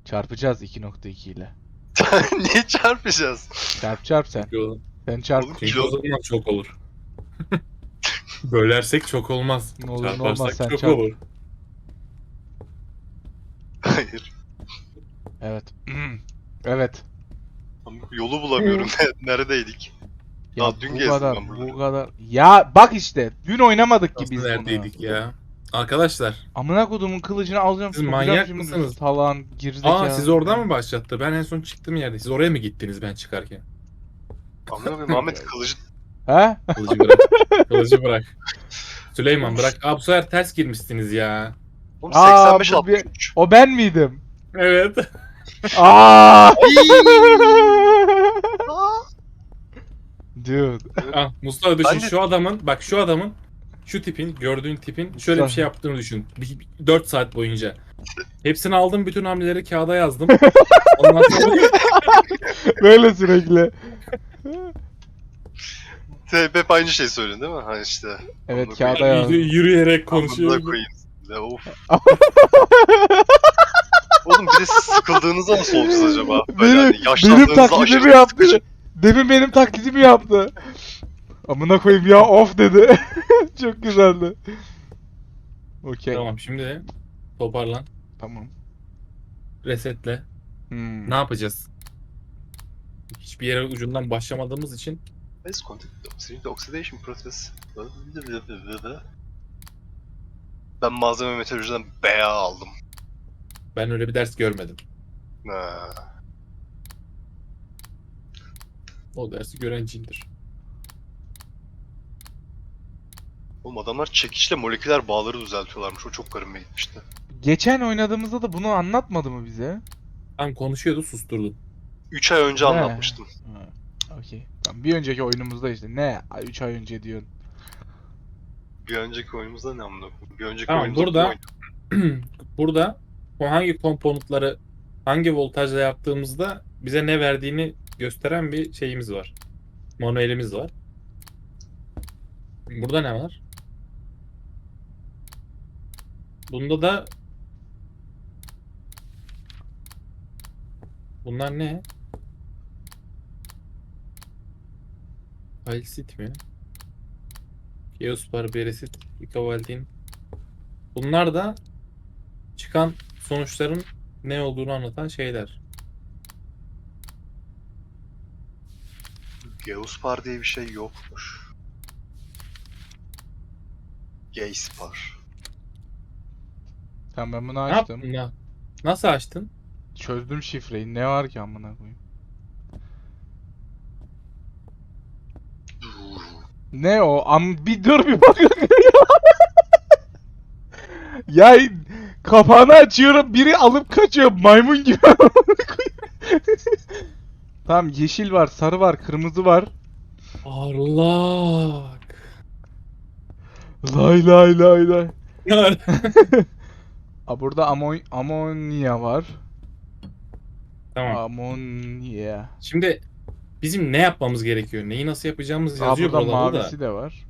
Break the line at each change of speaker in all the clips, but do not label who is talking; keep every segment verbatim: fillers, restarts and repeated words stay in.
Çarpacağız iki nokta iki ile.
Niye çarpacağız?
Çarp çarp sen.
Çünkü o,
Sen çarp.
Oğlum
çünkü
kilo.
o zaman çok olur. Bölersek çok olmaz.
Ne olur ne olmaz
Çarparsak
sen
çok
çarp.
olur.
Hayır.
Evet. Evet.
Ama yolu bulamıyorum. Neredeydik?
Ya
Daha dün
bu
gezdim
kadar,
ben buraları.
bu kadar. Ya bak işte, dün oynamadık ki
Nasıl
biz bunu.
neredeydik ya? Arkadaşlar.
Amına kodumun kılıcını alacağım,
Siz
sokacağım
manyak
şimdi.
mısınız?
Talan, gerizekalı.
Aa siz orada mı başlattı? Ben en son çıktım yerde. Siz oraya mı gittiniz ben çıkarken?
Amına koyayım Ahmet kılıcı.
He?
Kılıcı bırak. Kılıcı bırak. Süleyman bırak. Aa bu sefer ters girmişsiniz ya.
Oğlum
Aa,
seksen beş
bu bir-
altmış üç.
O ben miydim?
Evet.
Aa! Dude.
Ah Mustafa düşün
Ben de-
şu adamın bak şu adamın şu tipin gördüğün tipin şöyle bir şey yaptığını düşün. dört saat boyunca. Hepsini aldım bütün hamleleri kağıda yazdım. Ondan sonra
Böyle sürekli.
Hep aynı şey söylüyorsun değil mi? Ha işte.
Evet,
Amına
kağıda
koyayım.
yazdım.
yürüyerek
Amına
konuşuyor.
koyayım. Ya, of. Oğlum bir de siz sıkıldığınızda nasıl olacağız acaba? Böyle
Benim,
hani
benim
yaşlandığınızda
taklidimi
aşırı
yaptı.
sıkıcı.
Demin benim taklidimi yaptı. Amına koyayım ya, of dedi. Çok güzeldi. Okey.
Tamam şimdi toparlan.
Tamam.
Resetle.
Hmm.
Ne yapacağız? Hiçbir yere ucundan başlamadığımız için
Base contact oxidation, oxidation process. Ben malzeme meteorolojiden B A aldım.
ben öyle bir ders görmedim.
Ha.
O dersi gören cindir.
Oğlum adamlar çekiçle moleküler bağları düzeltiyorlarmış. O çok garibime gitmişti.
Geçen oynadığımızda da bunu anlatmadı mı bize?
Tam konuşuyordu susturdum.
üç ay önce
Ne?
anlatmıştım.
Ha, okey. Tamam, bir önceki oyunumuzda işte ne? üç ay önce diyorsun.
Bir önceki oyunumuzda ne amına koyayım? Bir önceki
Tamam,
oyunumuzda
burada-
bu oyun.
Burada bu hangi komponentları hangi voltajla yaptığımızda bize ne verdiğini gösteren bir şeyimiz var. Manuelimiz var. Burada ne var? Bunda da bunlar ne? Halsit mi? Geospar, Beresit, Ikavaldin. Bunlar da çıkan sonuçların ne olduğunu anlatan şeyler.
Geospar diye bir şey yokmuş. Gayspar.
Tamam, ben bunu
Ne
açtım.
yaptın ya? Nasıl açtın?
Çözdüm şifreyi. Ne var ki amına koyayım? Ne o? Am bir dur bir bak. Ya kapağını açıyorum, biri alıp kaçıyor maymun gibi. Tamam, yeşil var, sarı var, kırmızı var.
Parlak.
Lay lay lay lay.
Yani.
Aa, burada amon amonya var.
Tamam.
Amonya.
Şimdi bizim ne yapmamız gerekiyor? Neyi nasıl yapacağımız
Aa,
yazıyor
burada
buralarda
mavisi
da.
de var.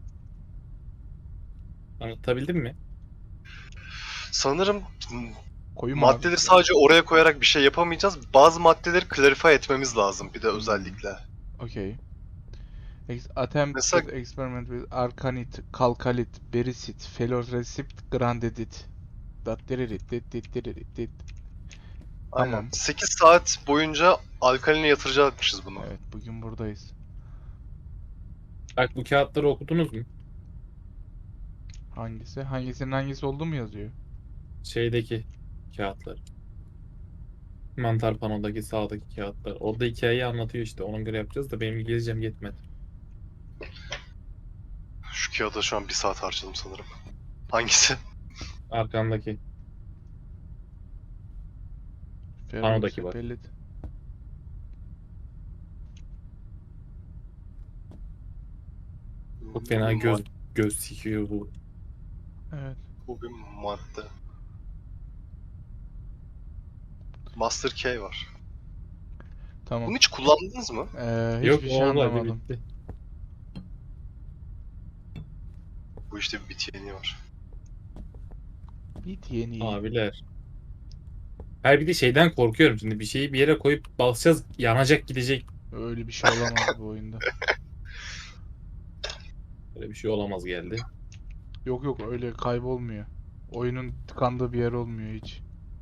Anlatabildim mi?
Sanırım
Koyu
maddeleri
mavisi.
sadece oraya koyarak bir şey yapamayacağız. Bazı maddeleri clarify etmemiz lazım bir de
Hmm.
özellikle.
Okay. Ex attempt
Mesela-
experiment with arcanite, kalkalit, berisit, feloresipt, grandedit. Dat diririt, dit dit diririt, dit.
Aynen.
Tamam.
sekiz saat boyunca alkaline yatıracakmışız bunu.
Evet, bugün buradayız.
Bak bu kağıtları okudunuz mu?
Hangisi? Hangisinin hangisi olduğu mu yazıyor?
Şeydeki kağıtlar. Mantar panodaki sağdaki kağıtlar. Orada hikayeyi anlatıyor işte. Ona göre yapacağız da benim İngilizcem yetmedi.
Şu kağıda şu an bir saat harcadım sanırım. Hangisi?
Arkandaki. Panodaki var.
Ferrosepelit.
Çok fena göz göz sikiyor bu.
Evet.
Bu bir madde. Master Key var.
Tamam.
Bunu hiç kullandınız mı?
Ee, hiçbir
Yok
şey
olmadı
anlamadım.
bitti.
Bu işte bir bit yeniği var.
Bit yeni.
Abiler. Hayır bir de şeyden korkuyorum şimdi. Bir şeyi bir yere koyup basacağız yanacak gidecek.
Öyle bir şey olamaz bu oyunda.
Böyle bir şey olamaz geldi.
Yok yok, öyle kaybolmuyor. Oyunun tıkandığı bir yer olmuyor hiç.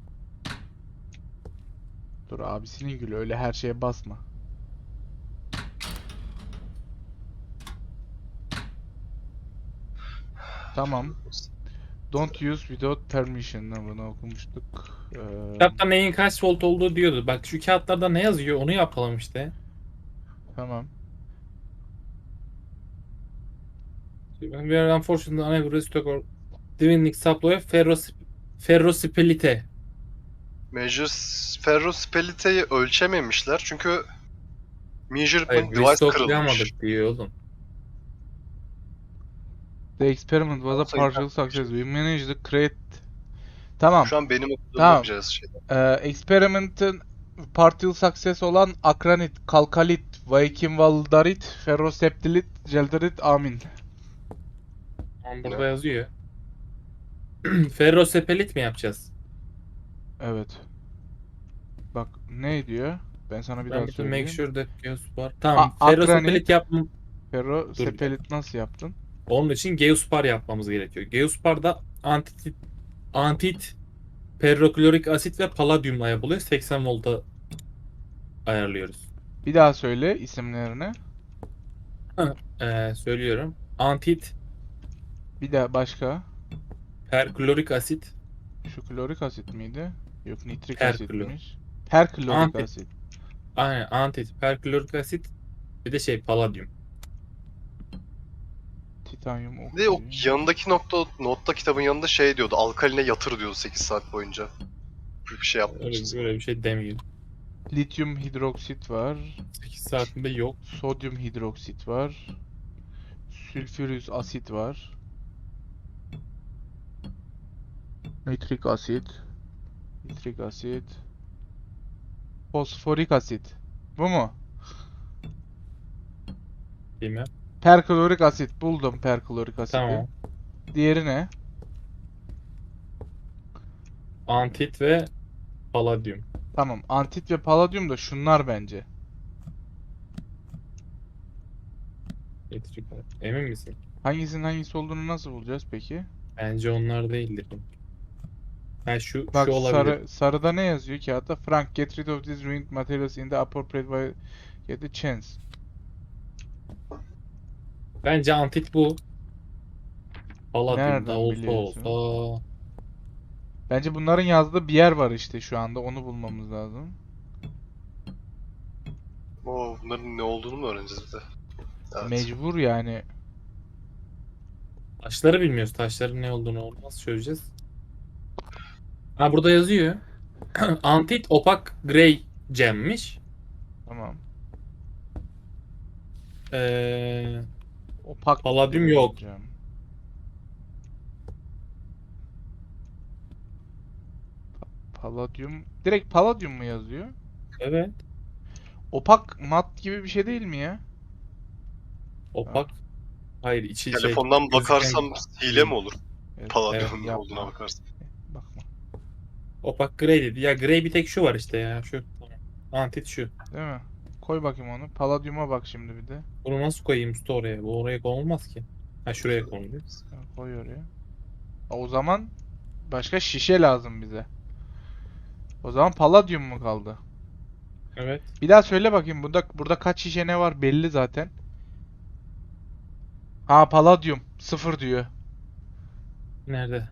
Dur, abisinin gülü, öyle her şeye basma. Tamam. Don't use without permission. Bunu okumuştuk. Ee,
Kitapta neyin kaç volt olduğu diyordu. Bak şu kağıtlarda ne yazıyor onu yapalım işte.
tamam.
We are unfortunately unable to stock or divinlik supply ferros ferrosipilite.
Major ferrospelite'yi ölçememişler çünkü
Hayır
measurement device kırılmış.
restocklayamadık diyor oğlum.
The experiment was a
Olsa
partial
güzel.
success. We managed to create... Tamam.
Şu an benim okuduğum
Tamam.
bakacağız şeyden.
Ee, experiment'ın partial success olan akranit, kalkalit, vaikinvaldarit, ferroseptilit, jelderit, amin.
Ama burada
Ne?
yazıyor. Ferrosepelit mi yapacağız?
Evet. Bak ne diyor? Ben sana bir daha
Ben bütün make
söyleyeyim.
sure that Geos var. Tamam.
A-
Ferrosepelit
akranit.
yap.
Ferrosepelit nasıl yaptın?
Onun için Geospar yapmamız gerekiyor. Geospar'da antit antit peroklorik asit ve paladyumla yapılıyor. seksen volta ayarlıyoruz.
Bir daha söyle isimlerini.
Ee, söylüyorum. Antit
Bir daha başka.
perklorik asit,
Şu klorik asit miydi? Yok, nitrik
Perklo.
asitmiş. Perklorik
Anti-
asit.
aynen antit perklorik asit bir de şey paladyum.
Titanyum
Bir de o
oksijen.
yanındaki nokta, notta kitabın yanında şey diyordu. Alkaline yatır diyordu sekiz saat boyunca. Bir şey
Öyle,
yapmışız.
öyle bir şey demiyor.
Lityum hidroksit var.
sekiz saatinde yok.
Sodyum hidroksit var. Sülfürüs asit var. Nitrik asit. Nitrik asit. Fosforik asit. Bu mu?
Bilmem.
Perklorik asit. Buldum perklorik asiti.
Tamam.
Diğeri ne?
Antit ve paladyum.
Tamam. Antit ve paladyum da şunlar bence.
Elektrik- Emin misin?
Hangisinin hangisi olduğunu nasıl bulacağız peki?
Bence onlar değildir. Ha şu
Bak
şu olabilir.
sarı sarıda ne yazıyor kağıtta? Frank, get rid of these ruined materials in the appropriate way. Get the chance.
Bence antit bu. Paladyum
Nereden
da olsa
biliyorsun?
olsa.
Bence bunların yazdığı bir yer var işte şu anda. Onu bulmamız lazım.
O bunların ne olduğunu mu öğreneceğiz bir de? Evet.
Mecbur yani.
Taşları bilmiyoruz. Taşların ne olduğunu nasıl çözeceğiz? Ha burada yazıyor. Antit opak grey gemmiş.
Tamam.
Ee,
Opak
Paladyum
grey
yok.
cam. Paladyum. Direkt paladyum mu yazıyor?
evet.
Opak mat gibi bir şey değil mi ya?
Opak. Hayır içi şey.
Telefondan
gözüken-
bakarsam hile mi olur?
Evet,
Palladium'un
evet,
ne olduğuna
yapma.
bakarsın.
Bakma.
Opak grey dedi. Ya grey bir tek şu var işte ya. Şu. Antit şu.
Değil mi? Koy bakayım onu. Paladyuma bak şimdi bir de.
Bunu nasıl koyayım usta oraya? Bu oraya konulmaz ki. Ha şuraya konuluyor.
Ha, koy oraya. O zaman başka şişe lazım bize. O zaman paladyum mu kaldı?
Evet.
Bir daha söyle bakayım. Burada burada kaç şişe ne var belli zaten. Ha, paladyum. Sıfır diyor.
Nerede?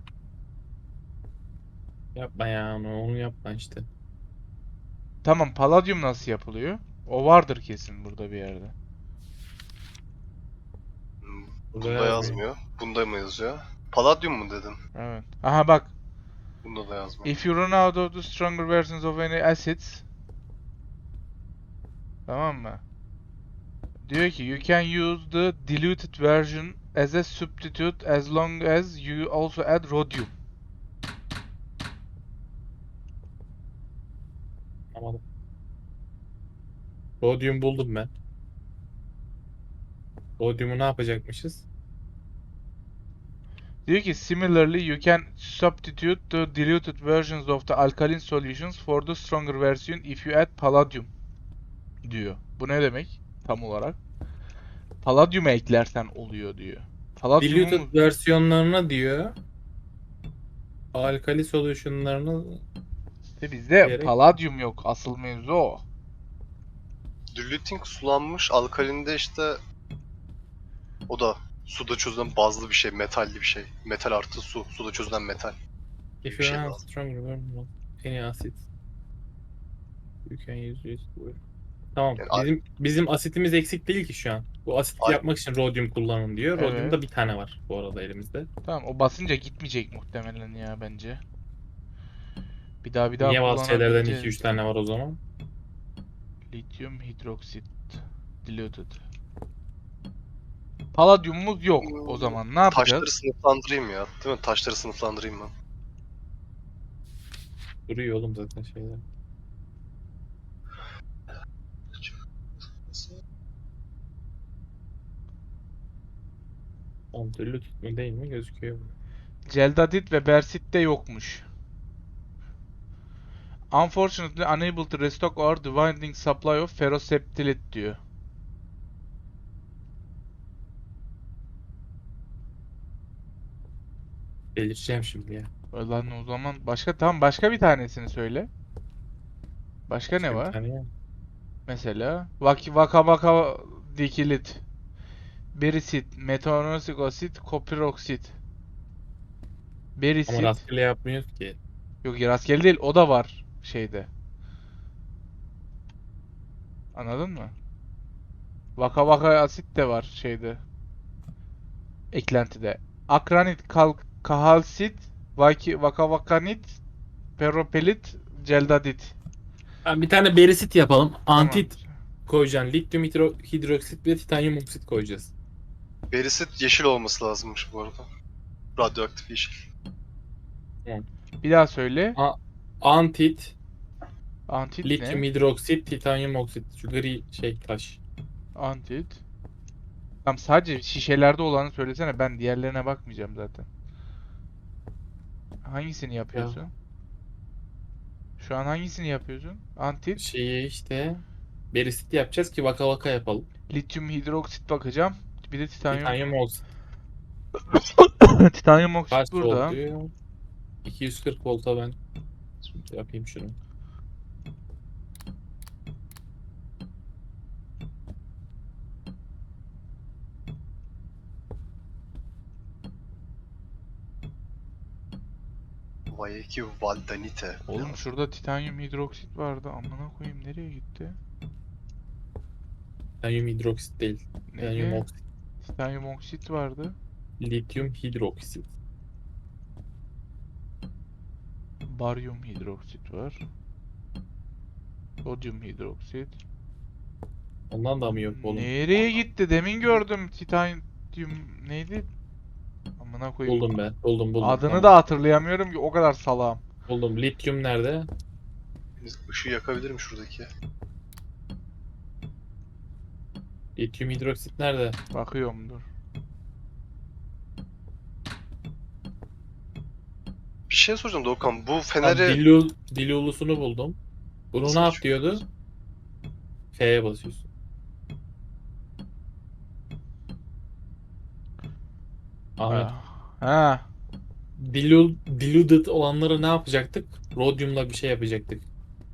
Yapma ya onu, onu yapma işte.
Tamam, paladyum nasıl yapılıyor? O vardır kesin burada bir yerde.
Hmm,
Burada
Bunda yazmıyor. Bunda mı yazıyor? Palladium mu dedin?
Evet. Aha bak.
Bunda da yazmıyor.
If you run out of the stronger versions of any acids. Tamam mı? Diyor ki you can use the diluted version as a substitute as long as you also add rhodium.
Anlamadım. Rhodium buldum ben. Rhodium'u ne yapacakmışız?
Diyor ki similarly you can substitute the diluted versions of the alkaline solutions for the stronger version if you add palladium diyor. Bu ne demek tam olarak? Palladium'u eklersen oluyor diyor. Palladium'u mu?
Diluted versiyonlarına diyor. Alkali solutionlarını
İşte bizde
gerek.
palladium yok. Asıl mevzu o.
Diluting sulanmış alkalinde işte o da suda çözülen bazlı bir şey, metalli bir şey. Metal artı su, suda çözülen metal.
If
Bir
you
şey
have
lazım.
stronger version of any acid you can use this for- Tamam.
Yani a-
Bizim bizim asitimiz eksik değil ki şu an. Bu asit
Ay-
yapmak için rodyum kullanın diyor.
Evet.
Rodyumda bir tane var bu arada elimizde.
Tamam, o basınca gitmeyecek muhtemelen ya bence. Bir daha bir daha
Niye bazı şeylerden iki
kullanabileceğiz.
üç tane var o zaman?
Lityum hidroksit diluted. Palladiumumuz yok o zaman. Ne
taşları
yapacağız?
sınıflandırayım ya. Değil mi? Taşları sınıflandırayım ben.
Duruyor oğlum zaten şeyler. Kontrollü tutma değil mi? Gözüküyor.
Celdadit ve bersit de yokmuş. Unfortunately unable to restock our dwindling supply of ferroseptilit diyor.
Delireceğim şimdi ya.
Lan o zaman başka, tamam, başka bir tanesini söyle. Başka ne
Başka bir
var?
tane ya.
Mesela vaki vaka vaka dikilit, berisit, metanosik asit, kopiroksit.
Ama
Berisit.
rastgele yapmıyoruz ki.
Yok ya, rastgele değil, o da var şeyde. Anladın mı? Vaka vaka asit de var şeyde. Eklentide. Akranit, kal kahalsit, vaki vaka vakanit, peropelit, celdadit.
Ben bir tane berisit yapalım. Antit
Tamam.
koyacaksın. Lityum hidro- hidroksit ve titanyum oksit koyacağız.
Berisit yeşil olması lazımmış bu arada. Radyoaktif yeşil.
Bir daha söyle.
A- Antit,
Antit
lityum
ne?
hidroksit, titanyum oksit. Şu gri şey taş.
Antit. Tamam, sadece şişelerde olanı söylesene. Ben diğerlerine bakmayacağım zaten. Hangisini yapıyorsun? Şu an hangisini yapıyorsun? Antit.
Şeyi işte berisit yapacağız ki vaka vaka yapalım.
Lityum hidroksit bakacağım. Bir de titanyum.
Titanyum oksit
Titanyum oksit
kaç
burada.
volt diyor? iki yüz kırk volta ben şimdi yapayım şunu.
Vayeki valdanite.
Oğlum şurada titanyum hidroksit vardı. Amına koyayım, nereye gitti?
Titanyum hidroksit değil. Titanyum
Neydi?
oksit.
Titanyum oksit vardı.
Lityum hidroksit.
Baryum hidroksit var. Sodyum hidroksit.
Ondan da mı yok oğlum?
Nereye gitti? Demin gördüm titanyum neydi? Amına koyayım.
Buldum ben. Buldum buldum.
Adını
Tamam.
da hatırlayamıyorum ki, o kadar salağım.
Buldum. Lityum nerede?
Işığı yakabilirim şuradaki.
Lityum hidroksit nerede?
Bakıyorum, dur.
Bir şey soracağım Doğukan. Bu
Tamam,
feneri...
dilul, dilulusunu buldum. Bunu
Nasıl
ne yap
açıyoruz?
diyordu? F'ye basıyorsun. Ahmet.
Ha. Ha.
Dilul, diluted olanları ne yapacaktık? Rodyumla bir şey yapacaktık.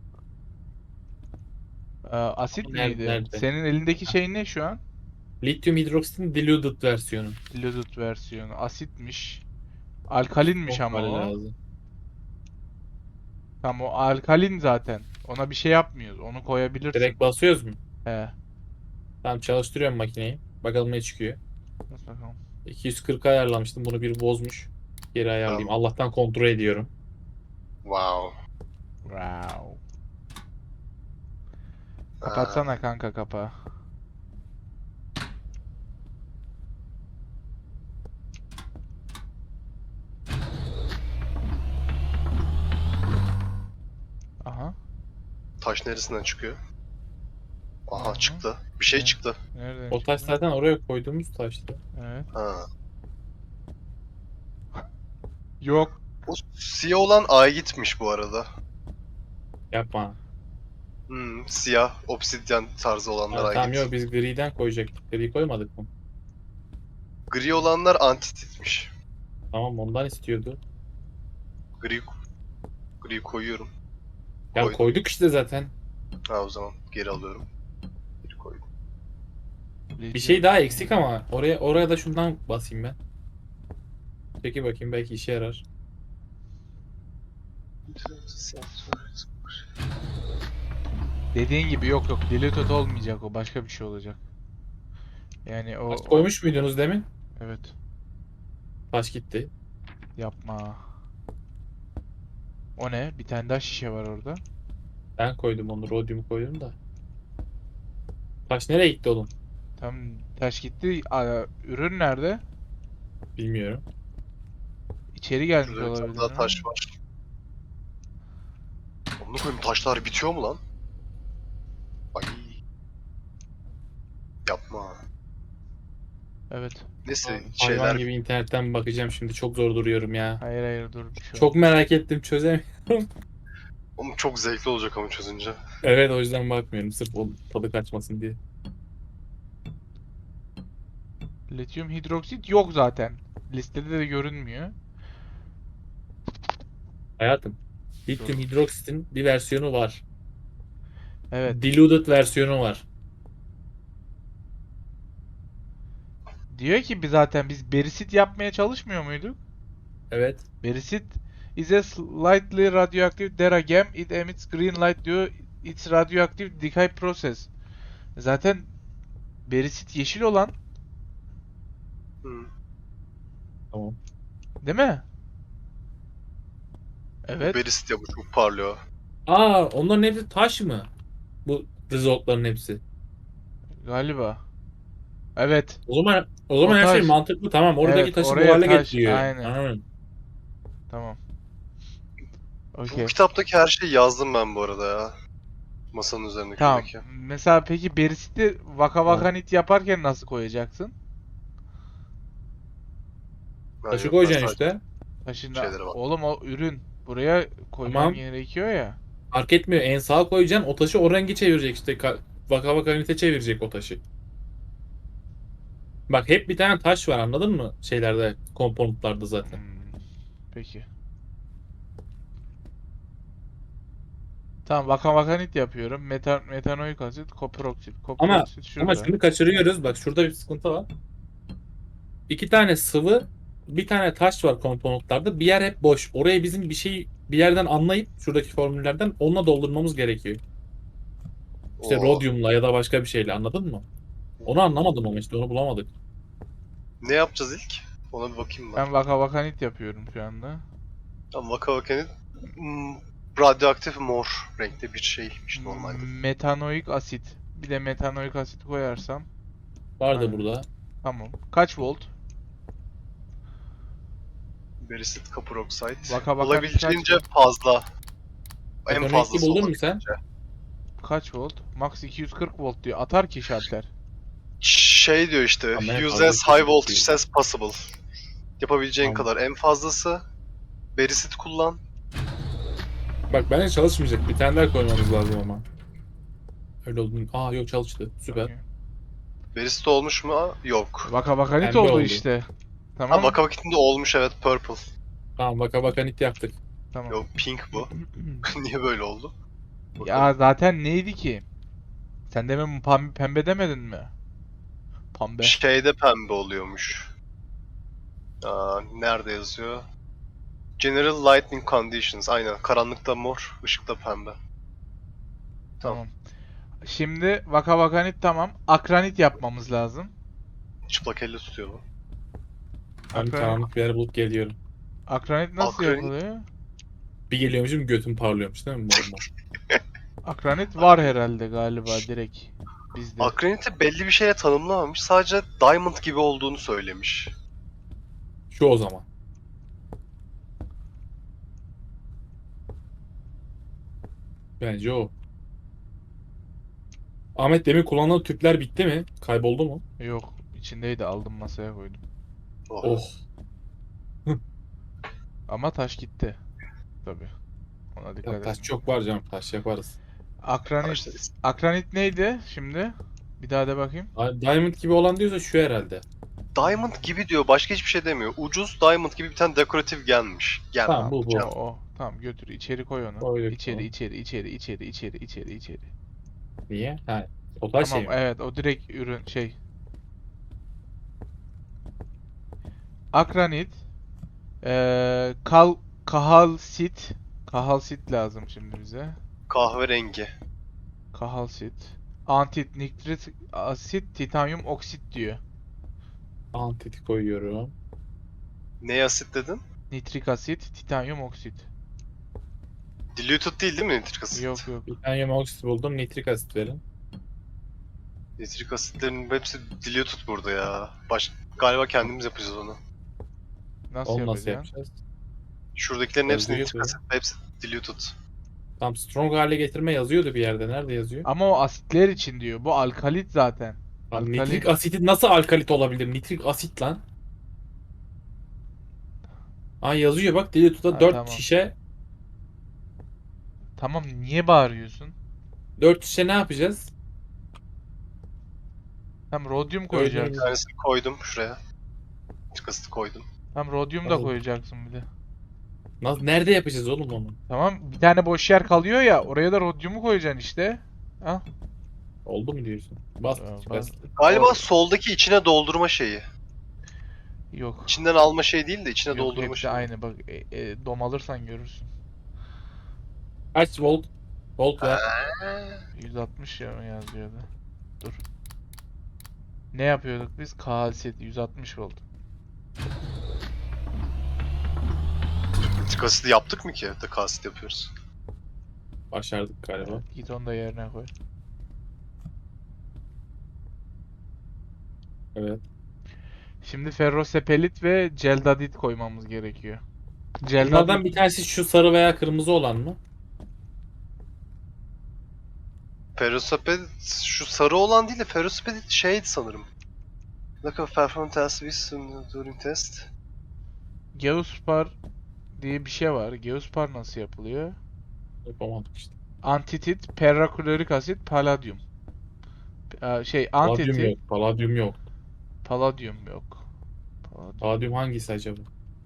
Ee, asit
Ama nerede-
miydi?
nerede?
Senin elindeki şey ne şu an?
Lityum hidroksitin diluted versiyonu.
Diluted versiyonu. Asitmiş. Alkalinmiş ama
Olmalı
o.
lazım.
Tamam, o alkalin zaten. Ona bir şey yapmıyoruz. Onu koyabilirsin.
Direkt basıyoruz mu?
He.
Tamam, çalıştırıyorum makineyi. Bakalım ne çıkıyor.
Nasıl bakalım?
iki yüz kırk ayarlamıştım. Bunu bir bozmuş. Geri ayarlayayım.
Tamam.
Allah'tan kontrol ediyorum.
Wow.
Wow. Kapatsana kanka kapağı. Aha.
Taş neresinden çıkıyor? Aha
Aha.
çıktı. Bir şey
Ne?
çıktı.
Nereden
O taş
çıktı?
zaten oraya koyduğumuz taştı.
Evet.
Ha.
Yok.
O siyah olan A'ya gitmiş bu arada.
Yapma.
Hmm, siyah, obsidyen tarzı olanlar
Ha,
A'ya
tamam
git.
yok biz griden koyacaktık. Gri koymadık mı?
Gri olanlar antititmiş.
Tamam ondan istiyordu.
Gri, gri koyuyorum.
Ya
Koydum.
koyduk işte zaten.
Ha o zaman geri alıyorum. Geri koydum.
Bir şey daha eksik ama oraya oraya da şundan basayım ben. Peki bakayım belki işe yarar.
Dediğin gibi yok yok. Diluted olmayacak o. Başka bir şey olacak. Yani o,
Taş
o-
koymuş muydunuz demin?
evet.
Taş gitti.
Yapma. O ne? Bir tane daha şişe var orada.
Ben koydum onu. Rhodium koydum da. Taş nereye gitti oğlum?
Tam taş gitti. Aa, ürün nerede?
Bilmiyorum.
İçeri gelmiş
Şurada bir tane
olabilir
daha
mi?
taş var. Onu koyayım, taşlar bitiyor mu lan? Ay. Yapma.
Evet.
Neyse
Hayvan
şeyler
gibi internetten bakacağım şimdi. Çok zor duruyorum ya.
Hayır hayır dur bir şey
Çok merak ettim çözemiyorum.
Oğlum çok zevkli olacak ama çözünce.
Evet o yüzden bakmıyorum. Sırf o tadı kaçmasın diye.
Lityum hidroksit yok zaten. Listede de görünmüyor.
Hayatım. Lityum hidroksitin bir versiyonu var.
Evet.
Diluted versiyonu var.
Diyor ki biz zaten biz berisit yapmaya çalışmıyor muyduk?
Evet.
Berisit is a slightly radioactive deragem. It emits green light diyor. It's radioactive decay process. Zaten berisit yeşil olan,
Hı.
Tamam.
değil mi?
Bu
Evet.
berisit ya, bu çok parlıyor.
Aa onların hepsi taş mı? Bu resultların hepsi.
Galiba. Evet.
O zaman o
O
zaman her şey
taş.
mantıklı. Tamam oradaki
Evet,
taşı bu
oraya
hale
taş.
getiriyor.
Aynen.
Anladım.
Tamam.
Bu
Okey.
kitaptaki her şeyi yazdım ben bu arada ya. Masanın üzerinde
Tamam.
şuradaki.
Mesela peki berisiti vaka vaka nit yaparken nasıl koyacaksın?
Ha,
Taşı
yok, ben
koyacaksın
sadece
işte.
Taşında.
şeylere bak.
Oğlum o ürün. Buraya koyman
Tamam.
gerekiyor ya.
Fark etmiyor. En sağa koyacaksın. O taşı o rengi çevirecek işte. Ka- Vaka vaka ünite çevirecek o taşı. Bak hep bir tane taş var anladın mı? Şeylerde, komponentlarda zaten.
Hmm, Peki. Tamam vaka vaka nit yapıyorum. Meta, metanoik asit, koperoksit.
Ama
Koperoksit
ama
şurada.
şunu kaçırıyoruz. Bak şurada bir sıkıntı var. İki tane sıvı, bir tane taş var komponentlarda. Bir yer hep boş. Oraya bizim bir şey bir yerden anlayıp şuradaki formüllerden onunla doldurmamız gerekiyor. İşte
Oo.
rodyumla ya da başka bir şeyle anladın mı? Onu anlamadım ama işte onu bulamadık.
Ne yapacağız ilk? Ona bir bakayım ben.
Ben vaka vaka nit yapıyorum şu anda.
Tamam, Vaka Vaka'nın hmm, radyoaktif mor renkte bir şeymiş normalde.
Metanoik asit. Bir de metanoik asit koyarsam.
Vardı
Aynen.
burada.
Tamam. Kaç volt?
Berisit, kapur oksit.
Vaka vaka
Olabildiğince
kaç
fazla. En
Ekonomik
fazlası
buldun mu
olabildiğince.
sen?
Kaç volt? Max iki yüz kırk volt diyor. Atar ki şalter.
Şey diyor işte,
Ama en
use
fazla
as high voltage
kesinlikle.
as possible. Yapabileceğin
Tamam.
kadar en fazlası. Berisit kullan.
Bak bence çalışmayacak. Bir tane daha koymamız lazım ama. Öyle oldu. Aa yok çalıştı. Süper.
Okey.
Berisit olmuş mu? Yok.
Vaka vaka nit
Pembe
oldu
oldu.
işte.
Ha,
Tamam.
Vaka Vakit'inde olmuş, evet, purple.
Tamam baka baka nit yaptık.
Tamam.
Yok, pink bu. Niye böyle oldu?
Ya zaten neydi ki? Sen demin pembe, pembe demedin mi? Pembe.
Şeyde pembe oluyormuş. Aa, nerede yazıyor? General Lighting Conditions. Aynen. Karanlıkta mor, ışıkta pembe.
Tamam. Şimdi vaka vaka nit tamam. Akranit yapmamız lazım.
Çıplak elle tutuyor bu.
Ben
Akranit,
karanlık bir yer bulup geliyorum.
akranit nasıl
Akranit-
yapılıyor?
Bir geliyormuşum götüm parlıyormuş değil mi? Mor mor.
Akranit var herhalde galiba direkt bizde.
Akrenit'i belli bir şeye tanımlamamış. Sadece diamond gibi olduğunu söylemiş.
Şu o zaman. Bence o. Ahmet demin kullanılan tüpler bitti mi? Kayboldu mu?
Yok içindeydi aldım masaya koydum.
Oh.
Oh.
Ama taş gitti. Tabii. Ona
Ya
dikkat
taş
edin.
çok var canım. Taş yaparız.
Akranit.
Taşla-
Akranit neydi şimdi? Bir daha de bakayım.
Di- Diamond gibi olan diyorsa şu herhalde.
Diamond gibi diyor. Başka hiçbir şey demiyor. Ucuz Diamond gibi bir tane dekoratif gelmiş. Gel
Tamam,
abi.
bu, bu.
O,
Gel.
o. Tamam götür. İçeri koy onu.
Koyduk
İçeri,
bunu.
içeri, içeri, içeri, içeri, içeri, içeri.
Niye? Ha. Total
Tamam,
şey mi?
evet, o direkt ürün şey. Akranit, eee kal kahalsit, kahalsit lazım şimdi bize.
Kahverengi.
Kahalsit, antit, nitrit asit, titanyum oksit diyor.
Antit koyuyorum.
Ne asit dedin?
Nitrik asit, titanyum oksit.
Diluted değil değil mi nitrik asit?
Yok yok.
Titanyum oksit buldum. Nitrik asit verin.
Nitrik asitlerin hepsi diluted burada ya. Baş... Galiba kendimiz yapacağız onu.
Nasıl
Onu nasıl
yapacaksın?
yapacağız?
Şuradakilerin hepsi
Yazıyor
nitrik
böyle.
asit, hepsi diluted.
Tam strong hale getirme yazıyordu bir yerde. Nerede yazıyor?
Ama o asitler için diyor. Bu alkalit zaten.
Lan
Alkalin.
nitrik asiti nasıl alkalit olabilir? Nitrik asit lan. Aa, yazıyor bak. Dilut'a
Ha,
dört
tamam.
şişe.
Tamam, niye bağırıyorsun?
dört şişe ne yapacağız?
Hem rodyum
Bir
koyacaksın.
tanesini koydum şuraya. Nitrik asiti koydum.
Hem rodyum da
Nasıl?
koyacaksın bir de.
Nasıl, nerede yapacağız oğlum onu?
Tamam, bir tane boş yer kalıyor ya, oraya da rodyumu koyacaksın işte. Al.
Oldu mu diyorsun? Bas.
Aa,
bas.
bas.
Galiba
O-
soldaki içine doldurma şeyi.
Yok.
İçinden alma şey değil de içine
Yok,
doldurma
hepsi
şeyi.
aynı. Bak, e, e, dom alırsan görürsün.
Kaç volt? Volt ver.
yüz altmış ya yazıyordu. Dur. Ne yapıyorduk biz? Kalsit yüz altmış volt.
Nitrik asiti yaptık mı ki? De asit yapıyoruz.
Başardık galiba.
Evet, git onu da yerine koy.
Evet.
Şimdi ferrosepelit ve celdadit koymamız gerekiyor.
Bunlardan
Celdadit
bir tanesi şu sarı veya kırmızı olan mı?
Ferrosepedit şu sarı olan değil de ferrosepedit şeydi sanırım. Lack of performance test with during test.
Geospar diye bir şey var. Geospar nasıl yapılıyor?
Yapamadık işte.
Antitit, perraklorik asit, paladyum. Aa, şey,
Paladyum
antitit,
yok. Paladyum yok.
paladyum yok. Paladyum,
Paladyum hangisi acaba?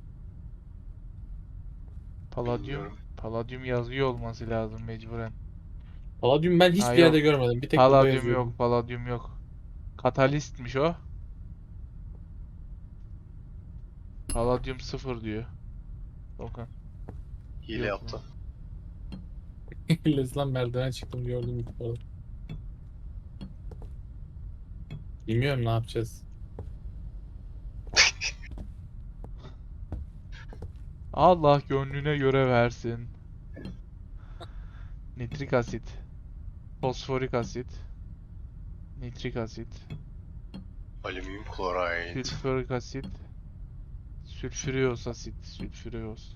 paladyum,
Bilmiyorum.
paladyum yazıyor olması lazım mecburen.
Paladyum ben hiçbir
Ha,
yerde
yok.
görmedim. Bir tek burada
Paladyum
yazıyor.
yok, paladyum yok. Katalistmiş o. Paladyum sıfır diyor. Okan.
Hile
Yok
yaptı.
Lan merdiven çıktım gördüm ilk defa. Bilmiyorum ne yapacağız.
Allah gönlüne göre versin. Nitrik asit, fosforik asit, nitrik asit,
Alüminyum klorit.
sülfürik asit, sülfüriyoz asit, sülfüriyoz.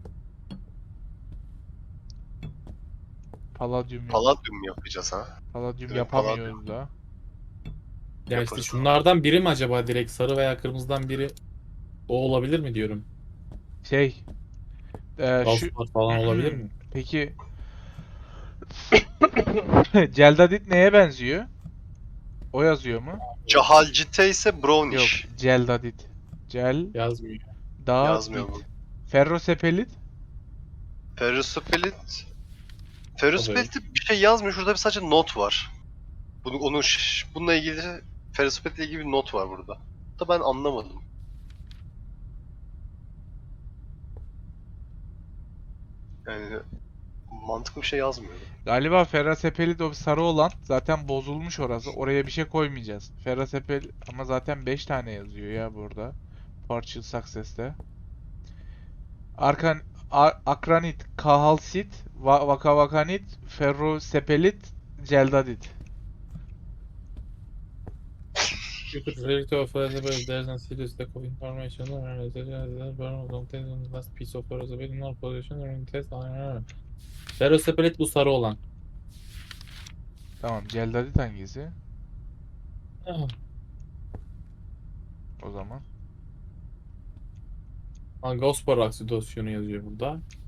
Paladyum yok.
Palladium yapacağız ha.
Paladyum
Evet,
yapamıyoruz da.
Ya işte
Yaparız.
şunlardan biri mi acaba, direkt sarı veya kırmızıdan biri o olabilir mi diyorum.
Şey, e, şu
Valspar falan olabilir mi?
peki celdadit neye benziyor? O yazıyor mu?
Cahalcite ise
Yok,
brownish.
celdadit. Cel
Yazmıyor.
da
Yazmıyor
dit.
bu.
Ferrosepelit
Ferrosepelit. Ferrosepelit bir şey yazmıyor. Şurada bir sadece not var. Bunu, onu, şş- bununla ilgili Ferrosepelit ile ilgili bir not var burada. Da ben anlamadım. Yani mantıklı bir şey yazmıyor.
galiba ferrosepelit o sarı olan zaten bozulmuş orası. Oraya bir şey koymayacağız. Ferrosepel ama zaten beş tane yazıyor ya burada. Partial Success'te. Arkan a- akranit, kahalsit, va vakavakanit, ferrosepelit, celdadit.
You could relate to a flexible if there's a serious lack of information or a burn contains on the last piece of ferrosepalate in our position during test. Ferrosepalit bu sarı olan.
Tamam, celdadit hangisi?
Ah,
O zaman.
Angospor oksidasyonu yazıyor burada.